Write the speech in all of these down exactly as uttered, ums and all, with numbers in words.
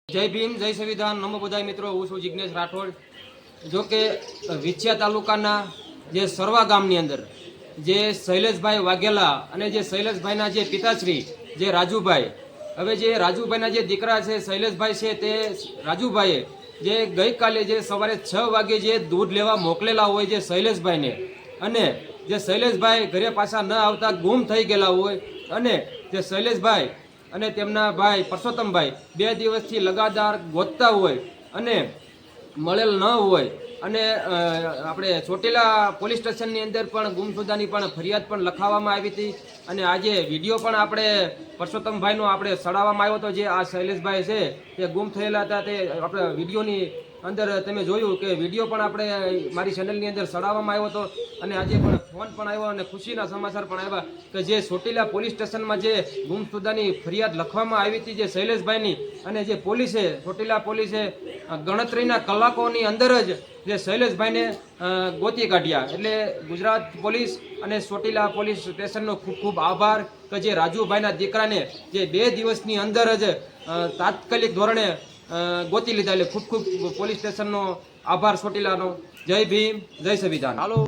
જય ભીમ, જય સંવિધાન, નમો બધાય મિત્રો. હું છું જિગ્નેશ રાઠોડ. જો કે વિછિયા તાલુકાના જે સરવા ગામની અંદર જે શૈલેષભાઈ વાઘેલા અને જે શૈલેષભાઈના જે પિતાશ્રી જે રાજુભાઈ, હવે જે રાજુભાઈના જે દીકરા છે શૈલેષભાઈ છે, તે રાજુભાઈએ જે ગઈકાલે જે સવારે છ વાગે જે દૂધ લેવા મોકલેલા હોય જે શૈલેષભાઈને, અને જે શૈલેષભાઈ ઘરે પાછા ન આવતા ગુમ થઈ ગયેલા હોય, અને જે શૈલેષભાઈ અને તેમના ભાઈ પરસોત્તમભાઈ બે દિવસથી લગાતાર ગોતતા હોય અને મળેલ ન હોય, અને આપણે ચોટીલા પોલીસ સ્ટેશનની અંદર પણ ગુમશુદાની પણ ફરિયાદ પણ લખાવવામાં આવી હતી. અને આજે વિડીયો પણ આપણે પરસોત્તમભાઈનો આપણે સડાવવામાં આવ્યો હતો. જે આ શૈલેષભાઈ છે તે ગુમ થયેલા હતા, તે આપણે વિડીયોની અંદર તમે જોયું કે વિડીયો પણ આપણે મારી ચેનલની અંદર સડાવવામાં આવ્યો હતો. અને આજે પણ ફોન પણ આવ્યો અને ખુશીના સમાચાર પણ આવ્યા કે જે ચોટીલા પોલીસ સ્ટેશનમાં જે ગુમશુદાની ફરિયાદ લખવામાં આવી હતી જે શૈલેષભાઈની, અને જે પોલીસે ચોટીલા પોલીસે ગણતરીના કલાકોની અંદર જ જે શૈલેષભાઈને ગોતી કાઢ્યા. એટલે ગુજરાત પોલીસ અને ચોટીલા પોલીસ સ્ટેશનનો ખૂબ ખૂબ આભાર કે જે રાજુભાઈના દીકરાને જે બે દિવસની અંદર જ તાત્કાલિક ધોરણે ગોતી લીધા. એટલે ખૂબ ખૂબ પોલીસ સ્ટેશનનો આભાર ચોટીલાનો. જય ભીમ, જય સંવિધાન. હાલો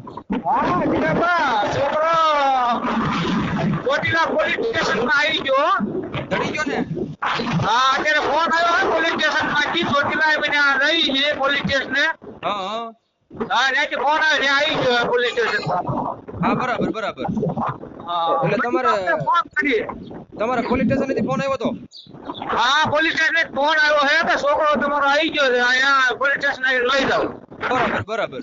છોકરો ચોટીલા પોલીસ સ્ટેશનમાં આવી ગયો. ચડી ગયો ને? હા, અત્યારે ફોન આવ્યો પોલીસ સ્ટેશન માંથી. ચોટીલા બન્યા રહી છે પોલીસ સ્ટેશન. હા હા હા, ત્યાંથી ફોન આવ્યો આવી ગયો પોલીસ સ્ટેશન. હા, બરાબર બરાબર. એટલે તમારે ફોન કરી તમારા પોલીસ સ્ટેશનથી ફોન આવ્યો હતો? હા, પોલીસ સ્ટેશન ફોન આવ્યો છે કે છોકરો તમારો આવી ગયો છે, અહીંયા પોલીસ સ્ટેશન લઈ જાઓ. બરાબર બરાબર.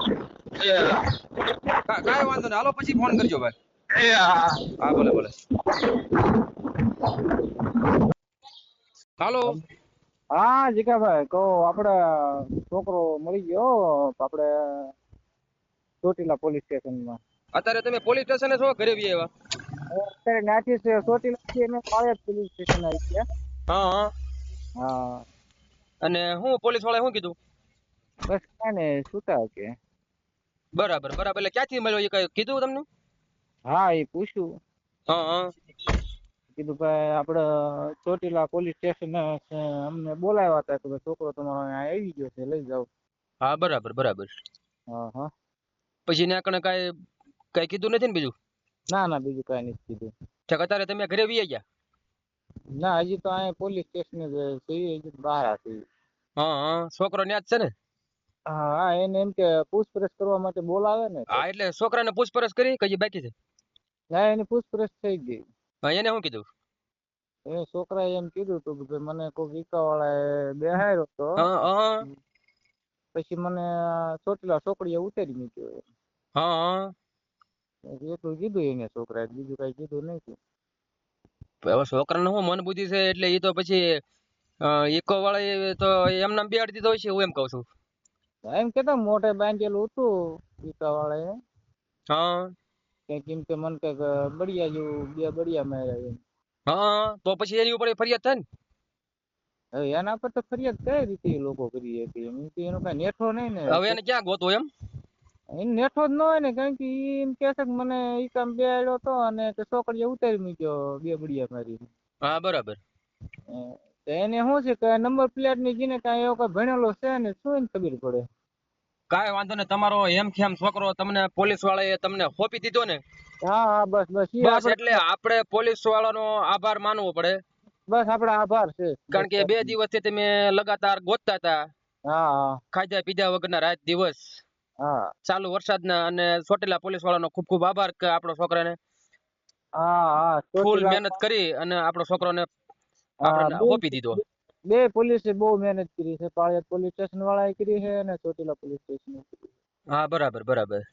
કાંઈ વાંધો નહીં, હાલો પછી ફોન કરજો ભાઈ. એ હા હા, ભલે ભલે. હાલો. હા જીગાભાઈ, કહો. આપડે છોકરો મળી ગયો આપડે ચોટીલા પોલીસ સ્ટેશનમાં. અત્યારે તમે પોલીસ સ્ટેશને છો, ઘરે બી આવ્યા? અત્યારે નાથી છે ચોટીલા થી અમે પાળિયાદ પોલીસ સ્ટેશન આવી ગયા. હા હા. હા, અને હું પોલીસ વાળાએ શું કીધું? બસ કાંઈ ને છૂટા કે. બરાબર બરાબર. એટલે ક્યાંથી મળ્યો એ કઈ કીધું તમને? હા, એ પૂછ્યું. હા હા. કીધું ભાઈ આપડે ચોટીલા પોલીસ સ્ટેશન અમને બોલાવ્યા હતા કે ભાઈ છોકરો તમારો અહીંયા આવી ગયો છે, લઈ જાઓ. હા, બરાબર બરાબર. હા હા. પછી ને કણે કાંઈ કઈ કીધું નથી ને બીજું? ના ના, બીજું કાંઈ નથી કીધું. ઠેક, અત્યારે તમે ઘરે વી ગયા? ના, હજી તો અહીંયા પોલીસ સ્ટેશન જ છીએ, હજી બહાર હતી. હા હા. છોકરો ન્યા જ છે ને? હા, એને એમ કે પૂછપરછ કરવા માટે બોલાવે ને. હા, એટલે છોકરાને પૂછપરછ કરી કે હજી બાકી છે? ના, એની પૂછપરછ થઈ ગઈ. હા, એને શું કીધું? એ છોકરાએ એમ કીધું હતું કે મને કોઈ રિક્ષાવાળાએ બેહાડ્યો હતો, હા હા. પછી મને ચોટીલા ચોકડીએ ઉતારી મૂક્યો. હા હા. એટલું કીધું એને છોકરાએ, બીજું કઈ કીધું નહીં. હવે છોકરાને શું મન બુદ્ધિ છે, એટલે એ તો પછી ઇકો વાળા તો એમ નામ બેહાડી દીધો હોય છે, હું એમ કઉ છું. એમ કેતા મોઢે બાંધેલું હતું રિક્ષાવાળાએ. હા. કઈક એમ કે મને કઈક બળિયા જેવું બે બળિયા માર્યા એમ. હા, તો પછી એની ઉપર ફરિયાદ થાય ને? હવે એના પર તો ફરિયાદ કઈ રીતે એ લોકો કરી હતી? એમ કે એનો કઈ નેઠો નહીં ને. હવે એને ક્યાં ગોતો એમ? એને નેઠો જ ન હોય ને, કારણ કે ઈ એમ કે છે કે મને ઈ કામ બેહાડ્યો હતો અને છોકરીએ ઉતારી મૂક્યો બે બળિયા મારી. હા, બરાબર. એને શું છે કે નંબર પ્લેટ ની જીને કઈ એવો કઈ ભણેલો છે ને, શું એને ખબર પડે? કાંઈ વાંધો નહીં. તમારો એમ ખેમ છોકરો તમને પોલીસ વાળાએ તમને સોંપી દીધો ને? હા હા, બસ બસ ઈ બસ, આપણે એટલે આપણે પોલીસ વાળાનો આભાર માનવો પડે. બસ આપડે આભાર છે. કારણ કે બે દિવસથી તમે લગાતાર ગોતતા હતા, હા હા ખાધા પીધા વગરના રાત દિવસ, હા ચાલુ વરસાદના, અને ચોટીલા પોલીસ વાળાનો ખૂબ ખૂબ આભાર કે આપણો છોકરાને હા હા ફૂલ ચોટીલા મહેનત કરી અને આપણો છોકરાને હા, આપણને બે સોંપી દીધો. બે પોલીસે બહુ મહેનત કરી છે. પાળિયાદ પોલીસ સ્ટેશન વાળાએ કરી છે અને ચોટીલા પોલીસ સ્ટેશન. હા, બરાબર બરાબર.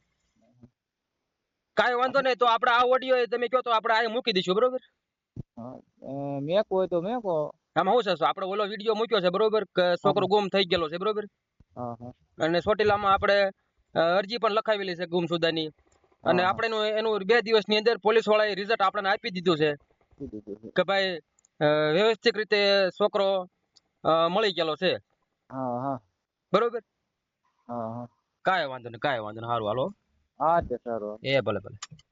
કાંઈ વાંધો નહીં, તો આપણે આ ઓડિયો તમે કહો તો આપણે આ મૂકી દઈશું, બરોબર? હા, મેકો હોય તો મેકો. આમાં શું છે, આપણે ઓલો વિડીયો મૂક્યો છે, બરોબર, કે છોકરો ગુમ થઈ ગયેલો છે, બરોબર? હા હા. અને ચોટીલામાં આપણે અરજી પણ લખાવેલી છે ગુમશુદાની, અને હા આપણે એનું એનું બે દિવસની અંદર પોલીસ વાળાએ રિઝલ્ટ આપણને આપી દીધું છે કે ભાઈ વ્યવસ્થિત રીતે છોકરો મળી ગયેલો છે, હા હા. બરોબર? હા હા. કાંઈ વાંધો નહીં, કાંઈ વાંધો નહીં. સારું, હાલો. હા તે સારું. એ ભલે ભલે.